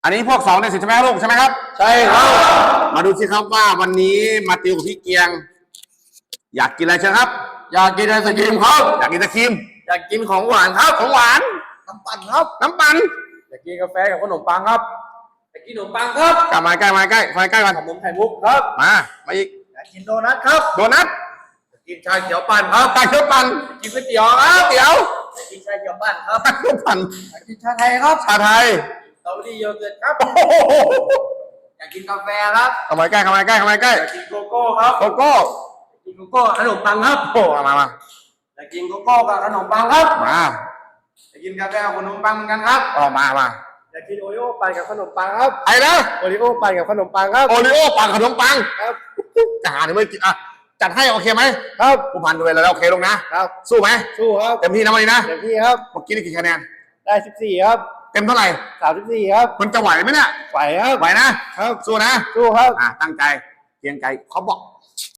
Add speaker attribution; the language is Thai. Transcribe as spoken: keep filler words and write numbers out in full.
Speaker 1: อันนี้พวกสองในสิบใช่ไหมลูกใช่ไหมครับ
Speaker 2: ใช่ครับ
Speaker 1: มาดูสิครับว่าวันนี้มาติวกับพี่เกียง อยากกินอะไรเชิญครับ
Speaker 2: อยากกินไอศกรีมครับ
Speaker 1: อยากกินไอศกรีม
Speaker 2: อยากกินของหวานครับ
Speaker 1: ของหวาน
Speaker 2: น้ำปั่นครับ
Speaker 1: น้ำปั่น
Speaker 2: อยากกินกาแฟกับขนมปังครับอยากกินขนมปังครับ
Speaker 1: กลับมาใกล้มาใกล้มาใกล้กัน
Speaker 2: ขนมไข่มุกครับ
Speaker 1: มามาอีก
Speaker 2: อยากกินโดนัทครับ
Speaker 1: โดนัท
Speaker 2: อยากกินชาเขียวปั่นครับ
Speaker 1: ชาเขียวปั่น
Speaker 2: กินก๋วยเตี๋ยวครับ
Speaker 1: เตี๋ยว
Speaker 2: อยากกินชาเขียวปั่นครับ
Speaker 1: ชาเขียวปั่น
Speaker 2: อยากกินชาไทยครับ
Speaker 1: ชาไทย
Speaker 2: สตรอเบอรี่โยเกิร์ตครับอยากกินกาแฟครับ
Speaker 1: เข้ามาใกล้เข้ามาใกล้เข้ามาใกล้
Speaker 2: อยากกินโกโก้ครับ
Speaker 1: โกโก้
Speaker 2: อยากกินโกโก้ขนมปังครับ
Speaker 1: โอ้มามา
Speaker 2: อยากกินโกโก้กับขนมปังครับ
Speaker 1: มา
Speaker 2: อยากกินกาแฟกับขนมปังเหมือนกันครับ
Speaker 1: อ๋อมามา
Speaker 2: อยากกินโอริโอปั่นกับขนมปังครับ
Speaker 1: ไอ้นะ
Speaker 2: โอริโอปั่นกับขนมปังครับ
Speaker 1: โอริโอปั่นขนมปัง
Speaker 2: ครับ
Speaker 1: จะหาหรือไม่กินอ่ะจัดให้โอเคไหม
Speaker 2: ครับ
Speaker 1: ผู้พันดูเลยแล้วโอเคลงนะครับสู้ไหม
Speaker 2: สู้ครับ
Speaker 1: เต็มที่นะวันนี้นะ
Speaker 2: เต็มที่ครับ
Speaker 1: เมื่อกี้ได้กี่คะแนน
Speaker 2: ได้สิบสี่ครับ
Speaker 1: เต็มเท่าไหร่
Speaker 2: สามสิบสี่ครับ
Speaker 1: มันจะไหวไหมเนี่ย
Speaker 2: ไหวครับ
Speaker 1: ไหวนะครับสู้นะ
Speaker 2: สู้ครับ
Speaker 1: อ่ะตั้งใจเพียงใจเขาบอก